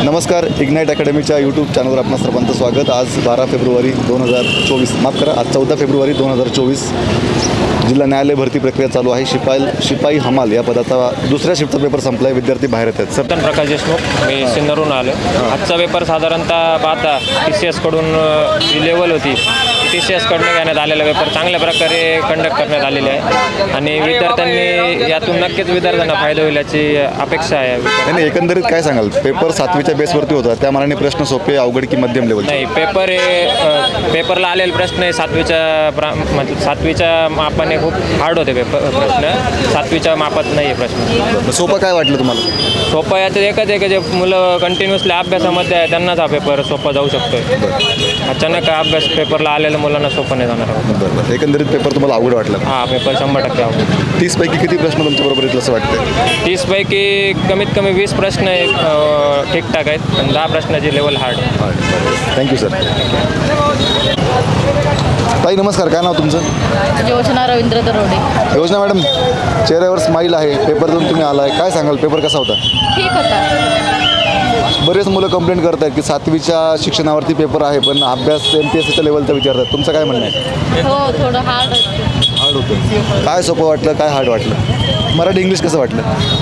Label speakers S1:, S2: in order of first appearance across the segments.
S1: नमस्कार, ignite अकॅडमीच्या YouTube चॅनलवर आपणा सर्वांचं स्वागत. आज 12 फेब्रुवारी 2024, माफ करा, आज 14 फेब्रुवारी 2024 जिल्हा न्यायालय भरती प्रक्रिया चालू आहे. शिपाई हमाल या पदाचा दुसऱ्या शिफ्टचा पेपर संपला आहे. विद्यार्थी बाहेर येत आहेत. सर,
S2: प्रकाश देशमुख, मी सिन्नरहून आलो. आजचा पेपर साधारणतः पाहता TCS कडून जी लेवल होती TCS कडून घेण्यात आलेला पेपर चांगल्या प्रकारे कंडक्ट करण्यात आलेले आहे आणि विद्यार्थ्यांनी यातून नक्कीच विद्यार्थ्यांना फायदा होईल याची अपेक्षा आहे.
S1: नाही, एकंदरीत काय सांगाल? पेपर 7वीच्या बेसवरती होता, त्या मानाने प्रश्न सोपे, अवघड की मध्यम लेवल?
S2: नाही, पेपरला आलेले प्रश्न हे 7वीच्या मापाने खूप हार्ड होते प्रश्न. 7वीच्या मापात नाही आहे प्रश्न.
S1: सोपं काय वाटलं तुम्हाला?
S2: सोपं याचं एकच आहे की जे मुलं कंटिन्युअसली अभ्यासामध्ये आहे त्यांनाच हा पेपर सोपा जाऊ शकतो. अचानक अभ्यास पेपरला आलेल्या मुलांना सोपं नाही जाणार.
S1: बरं, एकंदरीत पेपर तुम्हाला अवघड वाटला?
S2: हा, पेपर 100% अवघड.
S1: 30 पैकी किती प्रश्न तुमच्याबरोबर येतील असं वाटतं?
S2: 30 पैकी कमीत कमी 20 प्रश्न ठीकठाक आहेत, पण 10 प्रश्नाची लेवल हार्ड.
S1: Thank you sir. ताई नमस्कार, काय नाव तुमचं?
S3: योजना रवींद्र दरोडे.
S1: योजना मॅडम, चेहऱ्यावर स्माईल आहे. पेपर देऊन तुम्ही आलाय, काय सांगाल? पेपर कसा होता?
S3: ठीक होता.
S1: बरेच मुलं कंप्लेंट करत आहेत की 7वीच्या शिक्षणावरती पेपर आहे, पण अभ्यास MPSCच्या लेवलचा विचारतात. तुमचं काय म्हणणं आहे?
S3: हो, थोडं हार्ड होतं.
S1: हार्ड होतं. काय सोपं वाटलं, काय हार्ड वाटलं? मराठी इंग्लिश कसं वाटलं?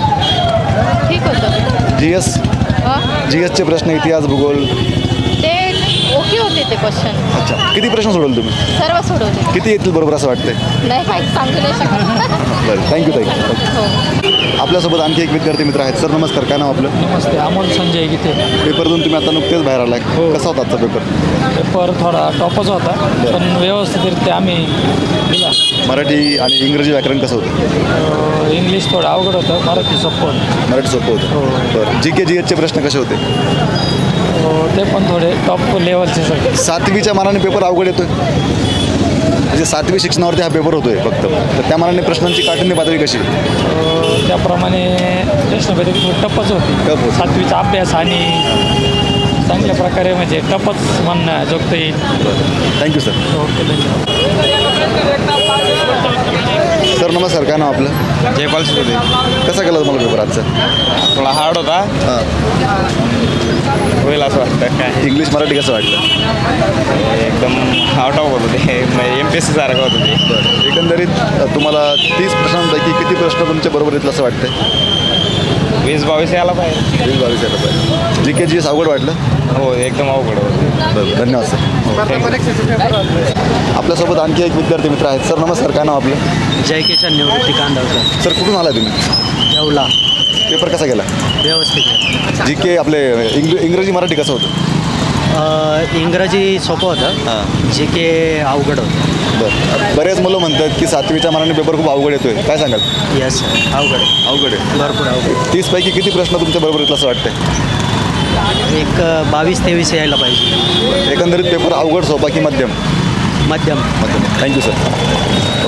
S3: ठीक होतं.
S1: GSचे प्रश्न, इतिहास, भूगोल
S3: ते ओके होते ते क्वेश्चन.
S1: अच्छा, किती प्रश्न सोडवले तुम्ही?
S3: सर्व सोडवले.
S1: किती येतील बरोबर असं वाटतंय?
S3: नाही माहीत, सांगू नाही शकत.
S1: बरं, थँक्यू ताई.
S3: हो.
S1: आपल्यासोबत आणखी एक विद्यार्थी मित्र आहेत. सर नमस्कार, काय नाव आपलं?
S4: नमस्ते, अमोल संजय गीते.
S1: पेपर देऊन तुम्ही आता नुकतेच बाहेर आलाय, कसा होता आजचा पेपर?
S4: पेपर थोडा टॉपच होता, पण व्यवस्थितरित्या आम्ही दिला.
S1: मराठी आणि इंग्रजी व्याकरण कसं होतं?
S4: इंग्लिश थोडं अवघड होतं, मराठी सोपं होतं.
S1: मराठी सोपं होतं. बरं, GSचे प्रश्न कसे होते?
S4: ते पण थोडे टॉप लेवलचे सगळे.
S1: 7वीच्या मानाने पेपर अवघड येतोय, म्हणजे 7वी शिक्षणावरती हा पेपर होतोय फक्त, तर त्या मानाने प्रश्नांची काठिण्य पातळी कशी?
S4: त्याप्रमाणे प्रश्नपत्रिका थोडी टपच होती.
S1: टप होती.
S4: 7वीचा अभ्यास आणि चांगल्या प्रकारे म्हणजे टपच म्हणणं जोगत येईल.
S1: Thank you sir.
S4: ओके, धन्यवाद.
S1: सर नमस्कार, काय नाव आपलं?
S5: जयपाल सुदे.
S1: कसा गेला तुम्हाला पेपर आजचा?
S5: थोडा हार्ड होता,
S1: हां.
S5: होईल असं वाटतं. काय
S1: इंग्लिश मराठी कसं वाटलं?
S5: एकदम आउट ऑफ होतं ते, MPSC सारखं होतं ते.
S1: बरं, एकंदरीत तुम्हाला 30 प्रश्नांपैकी किती प्रश्न तुमच्या बरोबर येतील असं वाटतंय?
S5: 20-22 यायला पाहिजे.
S1: 20-22 यायला पाहिजे. GS अवघड वाटलं?
S5: हो, एकदम अवघड होतं.
S1: बरं, धन्यवाद सर. आपल्यासोबत आणखी एक विद्यार्थी मित्र आहेत. सर नमस्कार, काय नाव आपलं?
S6: जय किशन निवृत्ती कांदावकर.
S1: सर कुठून आलाय तुम्ही?
S6: येवला.
S1: पेपर कसा गेला?
S6: व्यवस्थित.
S1: GK आपले इंग्रजी मराठी कसं होतं?
S6: इंग्रजी सोपं होतं,
S1: हां.
S6: GK अवघड होतं.
S1: बरं, बरेच मुलं म्हणतात की 7वीच्या मानाने पेपर खूप अवघड येतोय, काय सांगाल?
S6: येस सर, अवघड आहे.
S1: अवघड आहे.
S6: भरपूर अवघड.
S1: 30 पैकी किती प्रश्न तुमच्या बरोबर येतील असं वाटतंय?
S6: एक 22-23 यायला पाहिजे.
S1: एकंदरीत पेपर अवघड, सोपा की मध्यम?
S6: मध्यम.
S1: मध्यम. Thank you sir.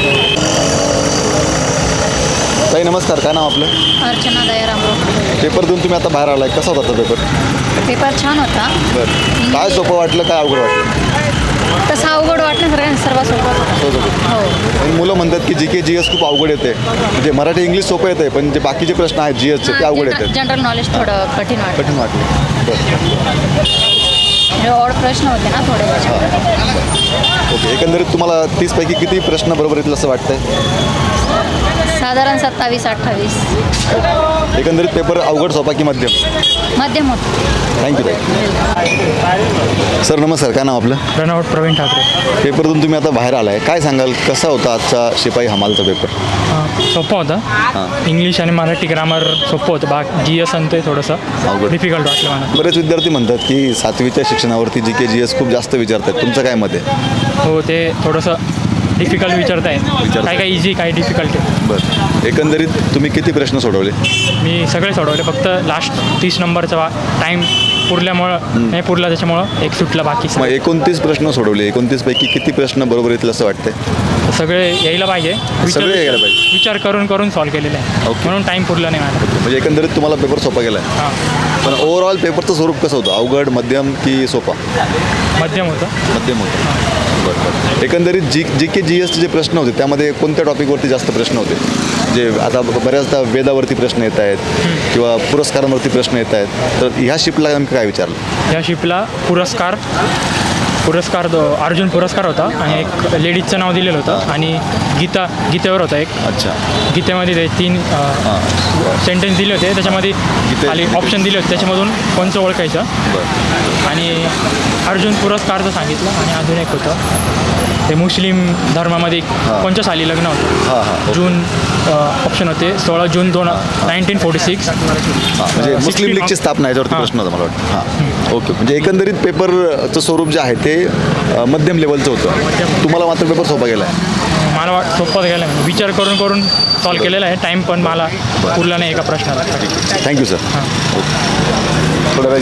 S1: ताई नमस्कार, काय नाव आपलं?
S3: अर्चना दयाराम.
S1: पेपर देऊन तुम्ही आता बाहेर आलाय, कसा होता तो पेपर?
S3: पेपर छान होता.
S1: बरं, काय सोपं वाटलं, काय अवघड वाटलं?
S3: तसं अवघड वाटण्यासारखं सर्व सोबत होता. हो.
S1: आणि मुलं म्हणतात की GS खूप अवघड येते, म्हणजे मराठी इंग्लिश सोपं येते, पण जे बाकीचे प्रश्न आहेत GSचे ते अवघड येतात.
S3: जनरल नॉलेज थोडं कठीण वाटतं.
S1: कठीण वाटले. बरं,
S3: ऑड प्रश्न होते ना थोडे त्याच्यामुळे.
S1: ओके. एकंदरीत तुम्हाला 30 पैकी किती प्रश्न बरोबर येतील असं वाटतंय?
S3: साधारण 27-28.
S1: एकंदरीत पेपर अवघड, सोपा की मध्यम?
S3: मध्यम होतं.
S1: थँक्यू ताई. सर नमस्कार, काय नाव आपलं?
S4: रणवट प्रवीण ठाकरे.
S1: पेपर देऊन तुम्ही आता बाहेर आलाय, काय सांगाल कसा होता आजचा शिपाई हमालचा पेपर?
S4: सोपं होतं. इंग्लिश आणि मराठी ग्रामर सोपं होतं. GS आणि ते थोडंसं
S1: अवघड.
S4: डिफिकल्ट वाटलं मला.
S1: बरेच विद्यार्थी म्हणतात की 7वीच्या शिक्षणावरती GS खूप जास्त विचारतात, तुमचं काय मत आहे?
S4: हो, ते थोडंसं डिफिकल्ट विचारताय. काही काही इझी, काही डिफिकल्ट आहे.
S1: बरं, एकंदरीत तुम्ही किती प्रश्न सोडवले?
S4: मी सगळे सोडवले, फक्त लास्ट 30 नंबरचा टाईम पुरल्यामुळं नाही पुरला, त्याच्यामुळं एक सुटलं. बाकी
S1: मग 29 प्रश्न सोडवले. 29 पैकी किती प्रश्न बरोबर येतील असं वाटतंय?
S4: सगळे यायला पाहिजे.
S1: सगळे यायला पाहिजे.
S4: विचार करून करून सॉल्व्ह केलेलं आहे.
S1: ओके.
S4: म्हणून टाईम पुरला नाही मला.
S1: म्हणजे एकंदरीत तुम्हाला पेपर सोपा गेला आहे.
S4: हां,
S1: पण ओव्हरऑल पेपरचं स्वरूप कसं होतं? अवघड, मध्यम की सोपा?
S4: मध्यम होतं.
S1: मध्यम होतं. बरं. एकंदरीत जी के जी एसचे जे प्रश्न होते त्यामध्ये कोणत्या टॉपिकवरती जास्त प्रश्न होते? जे आता बऱ्याचदा वेदावरती प्रश्न येत आहेत किंवा पुरस्कारांवरती प्रश्न येत आहेत, तर ह्या शिफ्टला नेमकं काय विचारलं?
S4: या शिपला पुरस्कार अर्जुन पुरस्कार होता आणि एक लेडीजचं नाव दिलेलं होतं आणि गीतेवर होता एक.
S1: अच्छा.
S4: गीतेमध्ये ते 3 सेंटेन्स दिले होते, त्याच्यामध्ये खाली ऑप्शन दिले होते, त्याच्यामधून कोणचं ओळखायचं. आणि अर्जुन पुरस्कारचं सांगितलं आणि अजून एक होतं ते मुस्लिम धर्मामध्ये कोणत्या साली लग्न होतं. जून ऑप्शन होते 16 जून 1946.
S1: म्हणजे मुस्लिम लीगची स्थापना याच्यावरती प्रश्न होता मला वाटतं. हां, ओके. म्हणजे एकंदरीत पेपरचं स्वरूप जे आहे ते मध्यम लेवलचं होतं. तुम्हाला मात्र पेपर सोपा गेला आहे?
S4: मला सोपं गेलं आहे, विचार करून सॉल्व केलेला आहे. टाईम पण मला पुरला नाही एका प्रश्नाला.
S1: Thank you sir. थोड्या वेळ